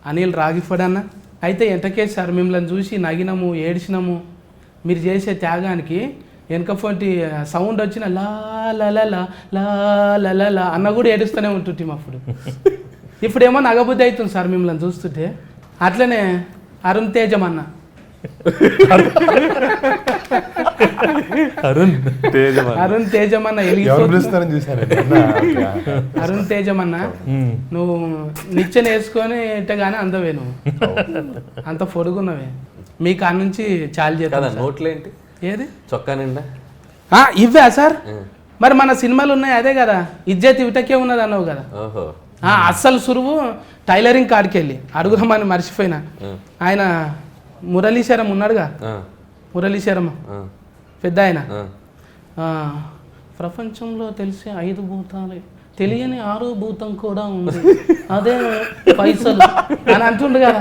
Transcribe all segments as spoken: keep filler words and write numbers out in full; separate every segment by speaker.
Speaker 1: అనిల్ రాగిఫడన్న. అయితే ఎంతకేసి సార్ మిమ్మల్ని చూసి నగినము ఏడిచినాము. మీరు చేసే త్యాగానికి వెనకపోటి సౌండ్ వచ్చిన లా లా లా లా లా లా లా అన్న కూడా ఏడుస్తూనే ఉంటుంటాం అప్పుడు. ఇప్పుడేమో నగబుద్ధి అవుతుంది సార్ మిమ్మల్ని చూస్తుంటే. అట్లనే అరుణ్ తేజం అన్న
Speaker 2: అరుణ్ తేజం
Speaker 1: అరుణ్ తేజం అన్న అరుణ్ తేజం అన్న నువ్వు నిచ్చెన వేసుకొని ఇట్టగానే అందవే నువ్వు అంత పొడుగున్నవే. మీ కాడ నుంచి చాలు చేస్తా.
Speaker 3: నోట్లేంటి
Speaker 1: ఏది
Speaker 3: చొక్కా నిండా
Speaker 1: ఇవ్వా సార్? మరి మన సినిమాలు ఉన్నాయి అదే కదా, ఇజ్జత్ ఇవిటకే ఉన్నది అన్నావు కదా. అస్సలు సురువు టైలరింగ్ కాడికి వెళ్ళి అడుగుదామని మర్చిపోయినా. ఆయన మురళీశరం ఉన్నాడుగా, మురళీశరం పెద్ద ఆయన, ప్రపంచంలో తెలిసే ఐదు భూతాలే తెలియని ఆరో భూతం కూడా ఉంది అదే పైసలు అని అంటుండు కదా.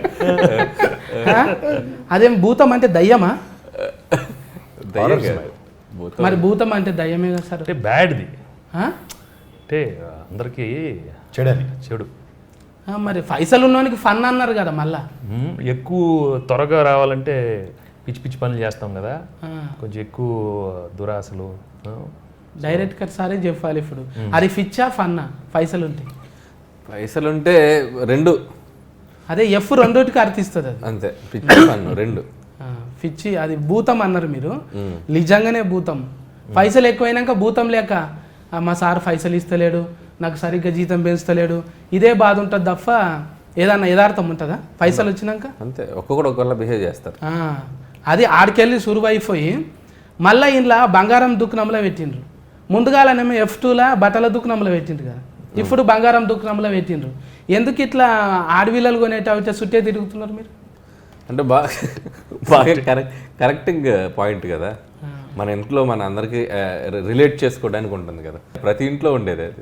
Speaker 1: అదేం భూతం అంటే దయ్యమా? మరి భూతం అంటే దయ్యమే కదా సార్.
Speaker 2: అంటే బ్యాడ్ది, అంటే అందరికీ చెడని చెడు.
Speaker 1: మరి పైసలు ఉన్నవానికి ఫన్ అన్నారు కదా. మళ్ళా
Speaker 2: ఎక్కువ త్వరగా రావాలంటే పిచ్చి పిచ్చి పనులు చేస్తాం కదా, కొంచెం ఎక్కువ దురాశలు.
Speaker 1: డైరెక్ట్ కట్ సారే చెప్పాలి ఇప్పుడు. అది ఫిచ్చా ఫన్నా? పైసలు ఉంటే
Speaker 3: పైసలు ఉంటే రెండు,
Speaker 1: అదే ఎఫ్ రెండోటికి అర్థిస్తుంది అది
Speaker 3: అంతే. పిచ్చి ఫన్ రెండు.
Speaker 1: పిచ్చి అది భూతం అన్నారు మీరు, నిజంగానే భూతం. పైసలు ఎక్కువైనాక భూతం లేక మా సార్ పైసలు ఇస్తలేడు, నాకు సరిగ్గా జీతం పెంచుతలేడు, ఇదే బాధ ఉంటుంది తప్ప ఏదన్నా యథార్థం ఉంటుందా? పైసలు వచ్చినాక
Speaker 3: అంతే, ఒక్కొక్కడు ఒక్కళ్ళ బిహేవ్ చేస్తారు.
Speaker 1: అది ఆడికెళ్ళి సురువైపోయి మళ్ళీ ఇంట్లో బంగారం దుకాణంలో పెట్టిండ్రు. ముందుగాలనేమో ఎఫ్ టూలా బట్టల దుకాణంలో పెట్టిండ్రు కదా, ఇప్పుడు బంగారం దుకాణంలో పెట్టిండ్రు. ఎందుకు ఇట్లా ఆడవిల్లలు కొనేటైతే చుట్టే తిరుగుతున్నారు మీరు?
Speaker 3: అంటే బాగా బాగా కరెక్ట్ కరెక్టింగ్ పాయింట్ కదా. మన ఇంట్లో మన అందరికి రిలేట్ చేసుకోవడానికి ఉంటుంది కదా, ప్రతి ఇంట్లో ఉండేది అది.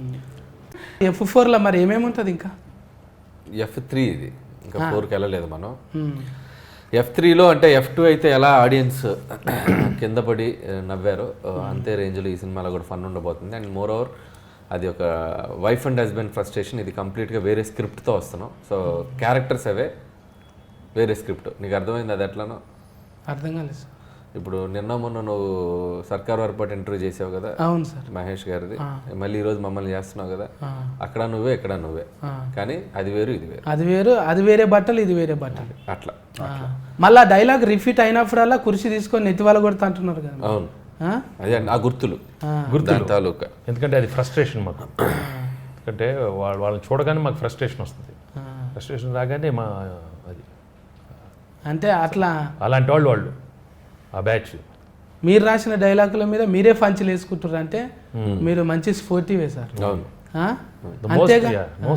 Speaker 1: ఎఫ్ ఫోర్లో మరి ఏమేమి ఉంటుంది ఇంకా?
Speaker 3: ఎఫ్ త్రీ ఇది, ఇంకా ఫోర్కి వెళ్ళలేదు మనం. ఎఫ్ త్రీలో అంటే ఎఫ్ టూ అయితే ఎలా ఆడియన్స్ కింద పడి నవ్వారో అంతే రేంజ్లో ఈ సినిమాలో కూడా ఫన్ ఉండబోతుంది. అండ్ మోర్ ఓవర్ అది ఒక వైఫ్ అండ్ హస్బెండ్ ఫ్రస్ట్రేషన్. ఇది కంప్లీట్గా వేరే స్క్రిప్ట్తో వస్తున్నాం. సో క్యారెక్టర్స్ అవే, వేరే స్క్రిప్ట్. నీకు అర్థమైంది అది ఎట్లానో?
Speaker 1: అర్థం కాలేదు సార్.
Speaker 3: ఇప్పుడు నిన్న మొన్న నువ్వు సర్కార్ వారిపాటు ఇంటర్వ్యూ చేసావు కదా.
Speaker 1: అవును సార్,
Speaker 3: మహేష్ గారిది. మళ్ళీ ఈరోజు మమ్మల్ని చేస్తున్నావు కదా. అక్కడ నువ్వే ఇక్కడ నువ్వే, కానీ అది వేరు ఇది వేరు.
Speaker 1: అది వేరు, అది వేరే బట్టలు ఇది వేరే బట్టలు
Speaker 3: అట్లా.
Speaker 1: మళ్ళీ డైలాగ్ రిపీట్ అయినప్పుడల్లా కుర్చీ తీసుకొని నెత్తి వాళ్ళ కొడుతా అంటున్నారు కదా.
Speaker 3: అవును, అదే ఆ గుర్తులు
Speaker 2: గుర్తులు
Speaker 3: తాలూకా.
Speaker 2: ఎందుకంటే అది ఫ్రస్ట్రేషన్ మాకు. ఎందుకంటే వాళ్ళు వాళ్ళని చూడగానే మాకు ఫ్రస్ట్రేషన్ వస్తుంది. ఫ్రస్ట్రేషన్ రాగానే మా అది
Speaker 1: అంటే అట్లా
Speaker 2: అలాంటి వాళ్ళు వాళ్ళు ఆ బ్యాచ్.
Speaker 1: మీరు రాసిన డైలాగుల మీద మీరే పంచులు వేసుకుంటారు అంటే మీరు మంచి స్పోర్టివే సార్. అంతేగా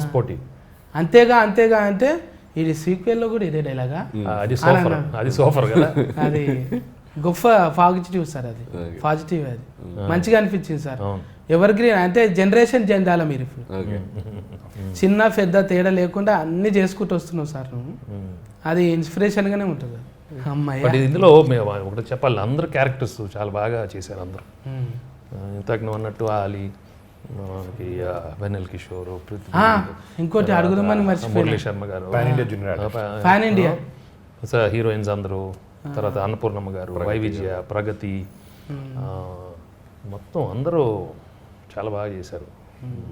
Speaker 1: అంతేగా అంతేగా అంటే ఇది సీక్వెల్లో కూడా ఇదే డైలాగా?
Speaker 2: అది సూపర్, అది సూపర్ కదా.
Speaker 1: అది గొప్ప పాజిటివ్ సార్, అది పాజిటివ్, అది మంచిగా అనిపించింది సార్. ఎవర్ గ్రీన్ అంటే జనరేషన్ జెండాల మీరు ఇప్పుడు చిన్న పెద్ద తేడా లేకుండా అన్ని చేసుకుంటూ వస్తున్నావు సార్ నువ్వు. అది ఇన్స్పిరేషన్గానే ఉంటుంది.
Speaker 2: బట్ ఇందులో మేము ఒకటి చెప్పాలి, అందరు క్యారెక్టర్స్ చాలా బాగా చేశారు అందరూ. ఇంతకు నువ్వు అన్నట్టు ఆలీ, వెన్నెల్ కిషోర్,
Speaker 1: ఇంకోటి అడుగుదామని మర్చిపోయాను,
Speaker 2: మురళీ శర్మ గారు,
Speaker 1: పాన్ ఇండియా
Speaker 2: హీరోయిన్స్ అందరూ, తర్వాత అన్నపూర్ణమ్మ గారు, వై విజయ, ప్రగతి, మొత్తం అందరూ చాలా బాగా చేశారు.